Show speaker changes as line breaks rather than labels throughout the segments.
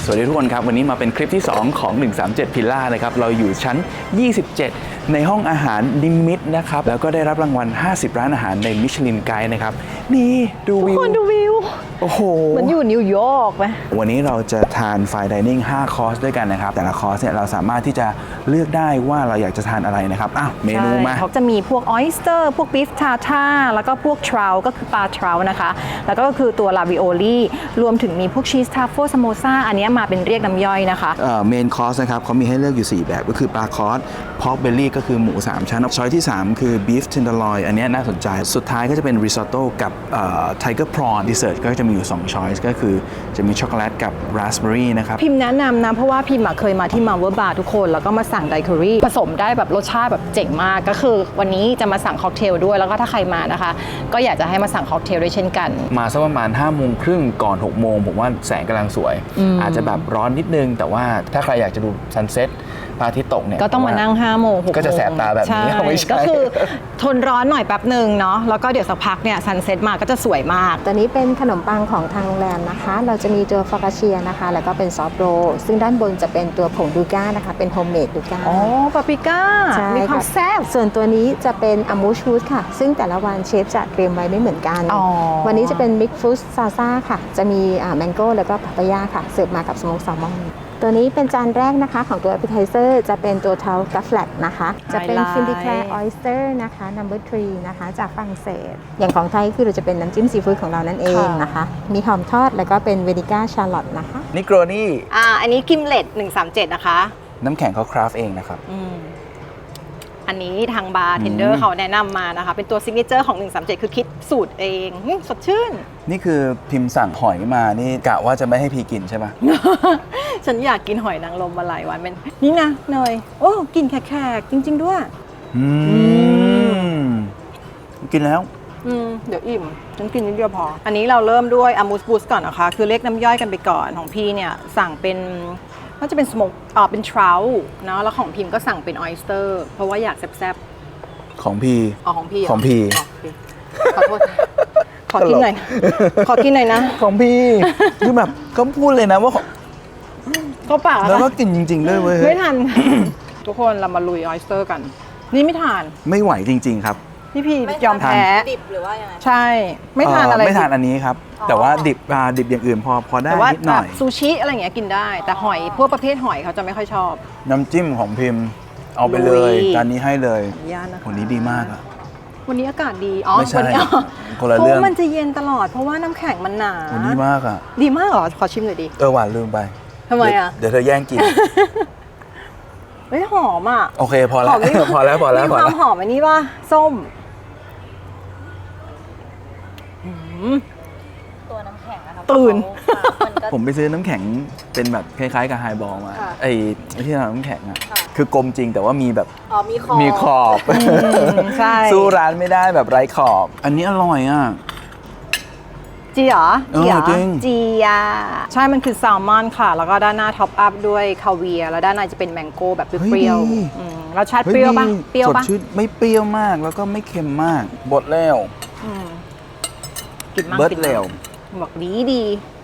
วัสดีทุกคนครับวันนี้มาเป็นคลิปที่2ของ137พิลล่านะครับเราอยู่ชั้น27ในห้องอาหารนิมิตนะครับแล้วก็ได้รับรางวัล50ร้านอาหารในมิชลินไกด์นะครับนี่ดูวิว
ทุกคนดูวิว
โอ้โห
มันอยู่นิวยอร์กไหม
วันนี้เราจะทานไฟน์ไดนิ่ง5คอร์สด้วยกันนะครับแต่ละคอร์สเนี่ยเราสามารถที่จะเลือกได้ว่าเราอยากจะทานอะไรนะครับอ้าวเมนูมา
เขาจะมีพวกออยสเตอร์พวกบีฟทาท่าแล้วก็พวกทราวก็คือปลาทราวนะคะแล้วก็คือตัวลาวิโอลี่รวมถึงมีพวกชีสทาโฟสโมซ่าอันนี้มาเป็นเรียกน้ำย่อยนะคะ
เมนคอร์สนะครับเขามีให้เลือกอยู่4แบบก็คือปลาคอร์สพอกเบลลี่ก็คือหมู3ชั้นช้อยที่3คือบีฟเทนเดอร์ลอยอันนี้น่าสนใจสุดท้ายก็จะเป็นริซอตโต้กับไทเกอร์พรอนดิเซอร์ทก็จะมีอยู่2ช้อยส์ก็คือจะมีช็อกโกแลตกับราสเบอร์รี่นะครับ
พิมแนะนำนะเพราะว่าพิมเคยมาที่มาเวอร์บาร์ทุกคนแล้วก็มาสั่งไดคอรี่ผสมได้แบบรสชาติแบบเจ๋งมากก็คือวันนี้จะมาสั่งค็อกเทลด้วยแล้วก็ถ้าใครมานะคะก็อยากจะให้มาสั่งค็อกเทลด้วยเช่นกัน
มาสักประมาณ5 โมงครึ่งก่อน6 โมงผมว่าแสงกำลังสวยอาจจะแบบร้อนนิดนึงแต่ว่าถ้าใครอยากจะดูซันเซ็ตพระอาทิตย์ตกเนี่ย
ก็ต้องมานั่ง5 โมง6 โมง
ก็จะแสบตาแบบนี้ไม่ใช่
ก็คือทนร้อนหน่อยแป๊บหนึ่งเนาะแล้วก็เดี๋ยวสักพักเนี่ยซันเซ็ตมาก็จะสวยมาก
ตัวนี้เป็นขนมปังของทางโรงแรมนะคะเราจะมีตัวฟากาเชียนะคะแล้วก็เป็นซอฟต์โรลซึ่งด้านบนจะเป็นตัวผงดูก้านะคะเป็นโฮมเมดดูก้า
อ๋อปาปริก้ามีความแซ่บ
ส่วนตัวนี้จะเป็นอามูชูสค่ะซึ่งแต่ละวันเชฟจะเตรียมไว้ไม่เหมือนกันวันนี้จะเป็นมิกฟูสซาซ่าค่ะจะมีแมงโก้แล้วก็ปาปายาค่ะเสิร์ฟมากับสโมกแซลมอนตัวนี้เป็นจานแรกนะคะของตัว appetizer จะเป็นตัวเทากัฟแฟลตนะคะจะเป็นฟินดิแคลร์ออยสเตอร์นะคะ number 3นะคะจากฝรั่งเศสอย่างของไทยคือเราจะเป็นน้ำจิ้มซีฟู้ดของเรานั่นเองนะคะมีหอมทอดแล้วก็เป็นเวนิก้าชาร์ลอตนะคะ
นิโกรนี่
อันนี้กิมเลต137นะคะ
น้ำแข็งเขาคราฟเองนะครับ
อันนี้ทางบาร์เทนเดอร์เขาแนะนำมานะคะเป็นตัวซิกเนเจอร์ของ137คือคิดสูตรเองสดชื่น
นี่คือพิมพ์สั่งหอยมานี่กะว่าจะไม่ให้พีกินใช่ไหม
ฉันอยากกินหอยนางรมมาหลายวันเป็นนี่นะเนยโอ้กินแขกจริงๆด้วย
กินแล้ว
เดี๋ยวอิ่มฉันกินนิดเดียวพออันนี้เราเริ่มด้วยอามูสบูสก่อนนะคะคือเรียกน้ำย่อยกันไปก่อนของพี่เนี่ยสั่งเป็นก็จะเป็นสโมกเป็นทราวเนาะแล้วของพิมก็สั่งเป็นออยสเตอร์เพราะว่าอยากแซ่บ
ๆของพี
ของพีขอโทษขอกินหน่อยนะ
ของพีคือแบบก็พูดเลยนะว่า
ก็ปาก
แล้วก็กินจริงๆด้วยเว้ย
ไม่ทันทุกคนเรามาลุยออยสเตอร์กันนี่ไม่ทาน
ไม่ไหวจริงๆครับ
พี่ยอมแพ้
ดิบหรือว่ายังไง
ใช่ไม่ทานอะไร
ไม่ทานอันนี้ครับแต่ว่าดิบอย่างอื่นพอได้นิดหน่อย
ซูชิอะไรอย่างเงี้ยกินได้แต่หอยพวกประเภทหอยเขาจะไม่ค่อยชอบ
น้ำจิ้มของพิมพ์เอาไปเลยจานนี้ให้เลยวันนี้ดีมากอะ
วันนี้อากาศดี
ไม่ใช่คนละ
เรื่
อง
มันจะเย็นตลอดเพราะว่าน้ำแข็งมันหนา
วันนี้มากอะ
ดีมากเหรอขอชิมหน่อยดิ
หวานลืมไป
ทำไมอะ
เดี๋ยวเธอแย่งกิน
ไม่หอมอะ
โอเคพอแล้วมี
ความหอมอันนี้ป่ะส้ม
ตัวน้ำแข็งนะคะ
ตื่น
ผมไปซื้อน้ำแข็งเป็นแบบคล้ายๆกับไฮบอลมาไอ้ที่ทำน้ำแข็งอ่ะคือกลมจริงแต่ว่ามีแบบมีขอบ
ใช่
สู้ร้านไม่ได้แบบไร้ขอบอันนี้อร่อยอ่ะ
จีเหรอ
จี
อ่ะใช่มันคือแซลมอนค่ะแล้วก็ด้านหน้าท็อปอัพด้วยคาเวียร์แล้วด้านในจะเป็นแมงโก้แบบเปรี้ยวรสชาติเปรี้ยวป่ะ
สดชื่นไม่เปรี้ยวมากแล้วก็ไม่เค็มมากบดแล้วเบิร์ดเร็ว
บอกดี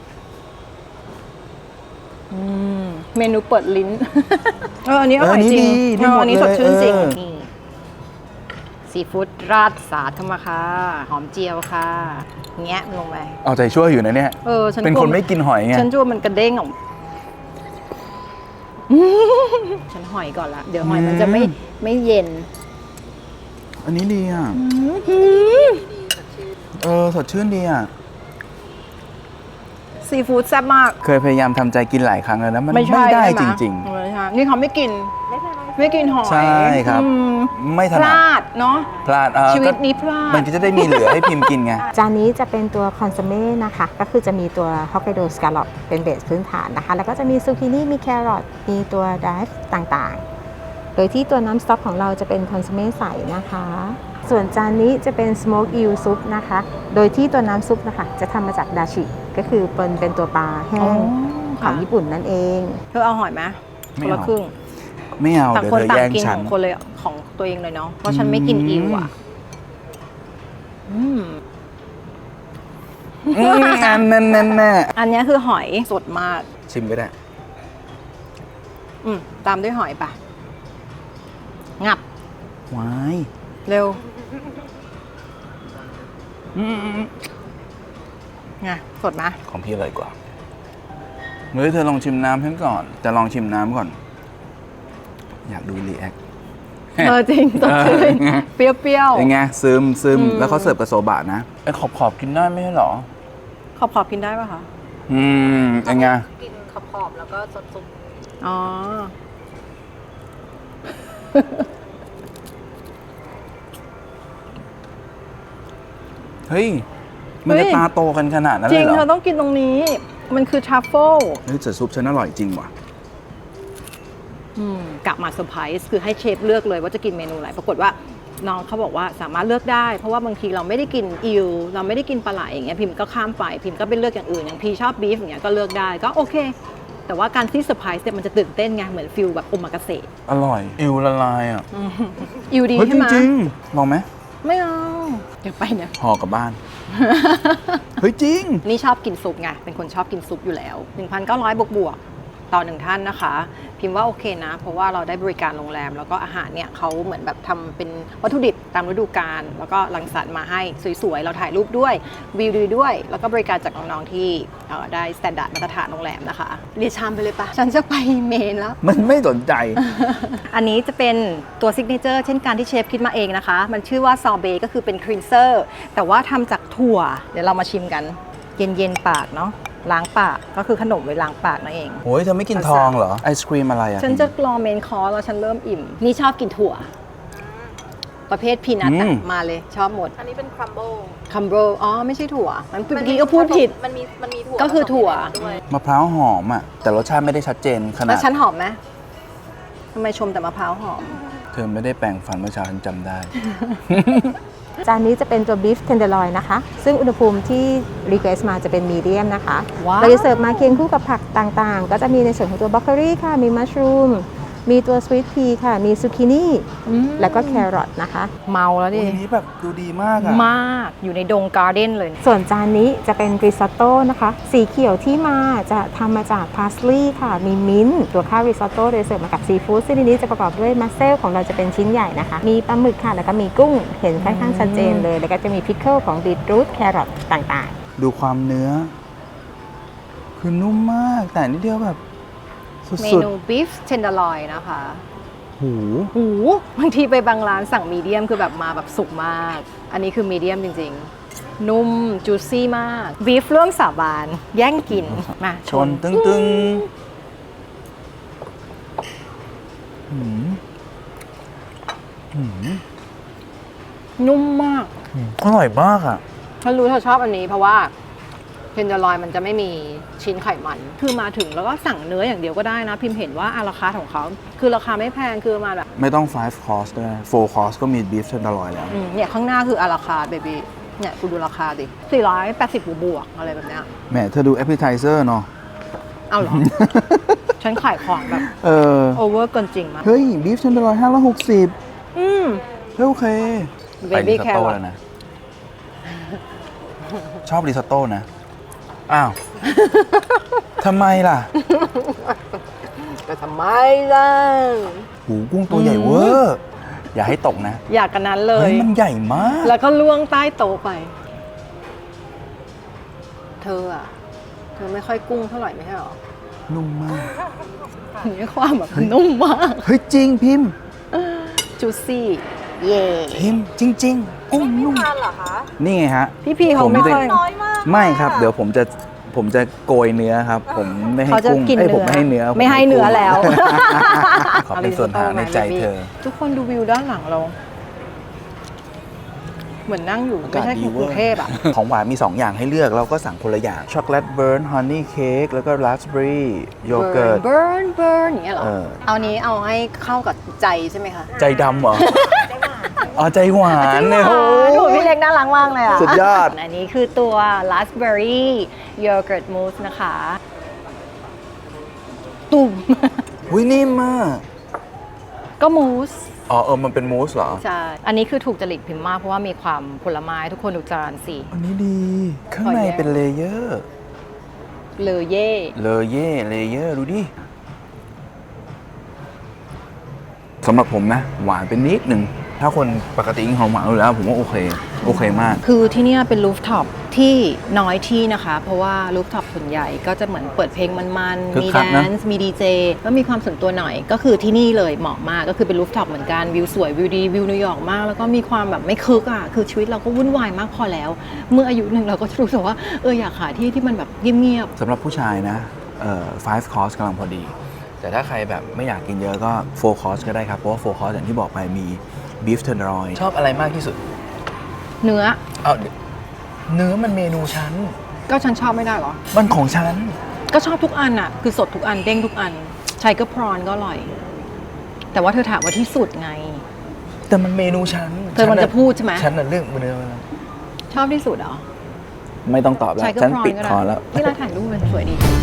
เมนูเปิดลิ้นอันนี้อร่อยจริงอันนี้สดชื่นจริงซีฟู้ดราดสาดเข้ามาค่ะหอมเจียวค่ะแงะลงไป
เอาใจช่วยอยู่นะเนี่ยเป็นคนไม่กินหอยไง
ฉันจั่วมันกระเด้งออกฉันหอยก่อนละเดี๋ยวหอยมันจะไม่เย็น
อันนี้ดีอ่ะสดชื่นดีอ่ะ
ซีฟู้ดแซ่บมาก
เคยพยายามทำใจกินหลายครั้งแล้วนะมันไม่ได้จริง
ๆนี่เขาไม่กินหอย
ใช่ครับไม่ถนัด
พลาดเนาะ
พลาด
ชีวิตนี้พลาด
มันก็จะได้มีเหลือให้พิมพ์กินไง
จานนี้จะเป็นตัวคอนโซเม่นะคะก็คือจะมีตัวฮอกไกโดสแกลลอปเป็นเบสพื้นฐานนะคะแล้วก็จะมีซูกินี่มีแครอทมีตัวไดฟ์ต่างๆโดยที่ตัวน้ำสต๊อกของเราจะเป็นคอนโซเม่ใสนะคะส่วนจานนี้จะเป็นสโมกอิลซุปนะคะโดยที่ตัวน้ำซุปนะคะจะทำมาจากดาชิก็คือเป็นตัวปลาแห้งของญี่ปุ่นนั่นเอง
เธอเอาหอยไหมคนละครึ่ง
ไม่เอา
ต่างคนต่างกินของคนเลยของตัวเองเลยเนาะเพราะฉันไม่กินอิวอ่ะ
อันนั้น
อันนี้คือหอยสดมาก
ชิมไปได้
ตามด้วยหอยปะงับ
วาย
เร็วไงสดไหม
ของพี่อร่อยกว่าเฮ้ยเธอลองชิมน้ำฉันก่อน จะลองชิมน้ำก่อน อยากดูรีแอค
จริงสดชื่นเปรี้ยว
ยังไงซึมแล้วเขาเสิร์ฟกับโซบะนะไอ้ขอบกินได้ไม่ใช่หรอ
ๆขอบกินได้ปะคะ
ยังไง
กินขอบๆแล้วก็สดซุป
อ๋อ
เฮ้ย มันจะตาโตกันขนาดนั้น
จ
เล
ริ
ย
ง
เหรอ
เธอต้องกินตรงนี้ มันคือทรัฟเฟิล
เฮ้ยแต่ซุปฉันอร่อยจริงว่ะ
กลับมาเซอร์ไพรส์คือให้เชฟเลือกเลยว่าจะกินเมนูอะไรปรากฏว่าน้องเขาบอกว่าสามารถเลือกได้เพราะว่าบางทีเราไม่ได้กินอิลเราไม่ได้กินปลาไหลอย่างเงี้ยพิมพ์ก็ข้ามไปพิมพ์ก็เป็นเลือกอย่างอื่นอย่างพีชอบบีฟอย่างเงี้ยก็เลือกได้ก็โอเค แต่ว่าการที่เซอร์ไพรส์เนี่ยมันจะตื่นเต้นไงเหมือนฟิลแบบโอมากาเสะ
อร่อยอิวละลายอ่ะ
อิลดี
เฮ้ย
ใช่ไหม
จริงๆลองไหม
ไม่เอาเดี๋ยวไปเนี่ย
ห่อกลับบ้าน เฮ้ยจริง
นี่ชอบกินซุปไง เป็นคนชอบกินซุปอยู่แล้ว 1,900 บวกๆต่อหนึ่งท่านนะคะ พิมพ์ว่าโอเคนะ เพราะว่าเราได้บริการโรงแรม แล้วก็อาหารเนี่ยเขาเหมือนแบบทำเป็นวัตถุดิบตามฤดูกาล แล้วก็รังสรรค์มาให้สวยๆ เราถ่ายรูปด้วย วิวดีด้วย แล้วก็บริการจากน้องๆที่ได้สแตนดาร์ดมาตรฐานโรงแรมนะคะ เรียกชามไปเลยปะฉันจะไปเมนแล้ว
มันไม่สนใจ
อันนี้จะเป็นตัวซิกเนเจอร์เช่นการที่เชฟคิดมาเองนะคะ มันชื่อว่าซอเบก็คือเป็นครีนเซอร์แต่ว่าทำจากถั่ว เดี๋ยวเรามาชิมกัน เย็นๆปากเนาะล้างปากก็คือขนมไว้ล้างปากนั่นเอง
โอ้ยเธอไม่กินทองเหรอ ไอศครีมอะไรอ่ะ
ฉันจะรอเมนคอร์สแล้วฉันเริ่มอิ่ม นี่ชอบกินถั่ว ประเภทพีนัทมาเลยชอบหมด
อันนี้เป็นครัมโบ
คัมโบอ๋อ ไม่ใช่ถั่วมันเมื่อกี้ก็พูดผิด
มันมีถั่ว
ก็คือถั่ว
ด้วย
มะพร้าวหอมอ่ะ แต่รสชาติไม่ได้ชัดเจนขนา
แล้
ด
วฉันหอมไหมทำไมชมแต่มะพร้าวหอม
เธอไม่ได้แปรงฟันเมื่อเช้าฉันจำได้
จานนี้จะเป็นตัวบีฟเทนเดอร์ลอยนะคะ ซึ่งอุณหภูมิที่รีเควสมาจะเป็นมีเดียมนะคะ
ว้าว
เราจะเสิร์ฟมาเคียงคู่กับผักต่างๆ ก็จะมีในส่วนของตัวบรอกโคลีค่ะ มีมัชรูม มีตัวสวีทพีค่ะ มีซูกินี่ แล้วก็แครอทนะคะ
เมาแล้วดิ
วันนี้แบบดูดีมากอ่ะ
มากอยู่ในดงการ์เด้นเลย
ส่วนจานนี้จะเป็นริซอตโต้นะคะ สีเขียวที่มาจะทำมาจากพาสลีย์ค่ะ มีมิ้นท์ตัวข้าวริซอตโต้โดยเสิร์ฟมากับซีฟู้ดซึ่งในนี้จะประกอบด้วยมัสเซลของเราจะเป็นชิ้นใหญ่นะคะ มีปลาหมึกค่ะ แล้วก็มีกุ้งเห็นค่อนข้างชัดเจนเลย แล้วก็จะมีพิคเกิลของบีทรูทแครอทต่างๆ
ดูความเนื้อ คือนุ่มมาก แต่นิดเดียวแบบ
เม
สุด
นูบีฟเทนเดอร์ลอยนะคะ
ๆหู
หูบางทีไปบางร้านสั่งมีเดียมคือแบบมาแบบสุกมาก อันนี้คือมีเดียมจริงๆ นุ่มจูซี่มากบีฟร่วมสาบานแย่งกิน มา
ชนตึงๆหืมหืม
นุ่มมาก
อร่อยมากอ่ะ
ฉันรู้เธอชอบอันนี้เพราะว่าเทนเดอร์ลอยมันจะไม่มีชิ้นไขมัน คือมาถึงแล้วก็สั่งเนื้ออย่างเดียวก็ได้นะ พิมพ์เห็นว่าอาราคาร์ทของเขาคือราคาไม่แพงคือประมาณแบบ
ไม่ต้อง 5 course ด้วย4 course ก็มี beef tenderloin แล้ว
เนี่ยข้างหน้าคืออาราคาร์ทเบบี้เนี่ยคุณดูราคาดิ480บวกๆอะไรแบบเนี้ย
แหมเธอดู appetizer เนาะ
เอาเหรอ ฉันขายของแบบ
เออ
โอเวอร์เกินจริงมาก
เฮ้ย beef tenderloin 560
อืม
เฮ้ยโอเค
Baby
ไปริซอตโต้
carrot
แล้วนะ ชอบริซอตโต้นะ อ้าว ทำไมล่ะ
ก็ทำไมล่ะ
หูกุ้งตัวใหญ่เวอร์ อย่าให้ตกนะ
อยากกันนั้นเล
เฮ้
ย
ย มันใหญ่มาก
แล้วก็ล่วงใต้โต๊ะไป เธอไม่ค่อยกุ้งเท่าไหร่ไม่ใช่หรอ
นุ่มมาก
นี่ความแบบนุ่มมาก
เฮ้ย จริงพิมพ์
จูซี่ เย่
พิมพ์จริง ๆ กุ้งนุ่ม
ทานเหรอคะ
นี่ไงฮะ
พี่พีเขาไม่ค่อย
น้อยมาก
ไม่ครับ เดี๋ยวผมจะโกยเนื้อครับ ผมไม่ให้
เขาจะ
กุ้ง
กิน
เอ้ย
เนื้
ผมไม่ให้เนื้อ
ไม่ให้เนื้อแล้ว
ขอเป็นส่วนทางในใจเธอ
ทุกคนดูวิวด้านหลังเรา เหมือนนั่งอยู่
อา
ไม่
กาศ
ใช่
ดี
ก
เว
รุ
อง ร์
เทพอ่ะ
ของหวานมี 2 อย่างให้เลือกเราก็สั่งคนละอย่าง ช็อกโกแลตเบิร์นฮันนี่เค้กแล้วก็ราสเบอรี่โยเกิร์ต
เบิร์นอย่างเงี้ยเหรอ
เออ
เอานี้เอาให้เข้ากับใจใช่ไหมคะ
ใจดำเหรอ อ๋อ ใจหวานเนี่ย
โอ้
โอ้
โหพี่เล็กน่ารักมากเลยอ่ะ
สุดยอด
อันนี้คือตัว raspberry yogurt mousse นะคะ ตุ่ม
หุ้ยนิ่มมาก
ก็มูส
อ๋อมันเป็นมูสเหรอ
ใช่ อันนี้คือถูกจริตพิมพ์มากเพราะว่ามีความผลไม้ทุกคนดูจานสิ
อันนี้ดี ข้างในเป็นเลเยอร์
เลเย่
เลเยอร์ดูดิสำหรับผมนะหวานเป็นนิดหนึ่งถ้าคนปกติกินของหวานอยู่แล้วผมว่าโอเคมาก
คือที่เนี่ยเป็นรูฟท็อปที่น้อยที่นะคะ เพราะว่ารูฟท็อปส่วนใหญ่ก็จะเหมือนเปิดเพลงมันๆ
คึก
มี
คั
แด
กนะ
นซ์มีดีเจก็มีความส่วนตัวหน่อย ก็คือที่นี่เลยเหมาะมากก็คือเป็นรูฟท็อปเหมือนกันวิวสวยวิวดีวิวนิวยอร์กมากแล้วก็มีความแบบไม่คึกอ่ะคือชีวิตเราก็วุ่นวายมากพอแล้ว เมื่ออายุหนึ่งเราก็รู้สึกว่าอยากหาที่ที่มันแบบเงียบ
สำหรับผู้ชายนะ5 course กำลังพอดี แต่ถ้าใครแบบไม่อยากกินเยอะก็4 course ก็ได้ครับ เพราะว่า4 course อย่างที่บอกไปมี beef tenderloin ชอบอะไรมากที่สุด
ๆเนื้อ
เอาเนื้อมันเมนูฉัน
ก็ฉันชอบไม่ได้เหรอ
มันของฉัน
ก็ชอบทุกอันอ่ะคือสดทุกอันเด้งทุกอันไชเกอร์พรอนก็อร่อย แต่ว่าเธอถามว่าที่สุดไง
แต่มันเมนูฉัน
เธอมันจะพูดใช่ไหม
ฉันน่ะเรื่องเนื้อ
ชอบที่สุดเหรอ
ไม่ต้องตอบแล้ว
ไชเกอ
ฉัน
ร์พรอน
ปิด
ก็
คอ
ได้
แล้ว
ที่ร้านถ่ายรูปมันสวยดี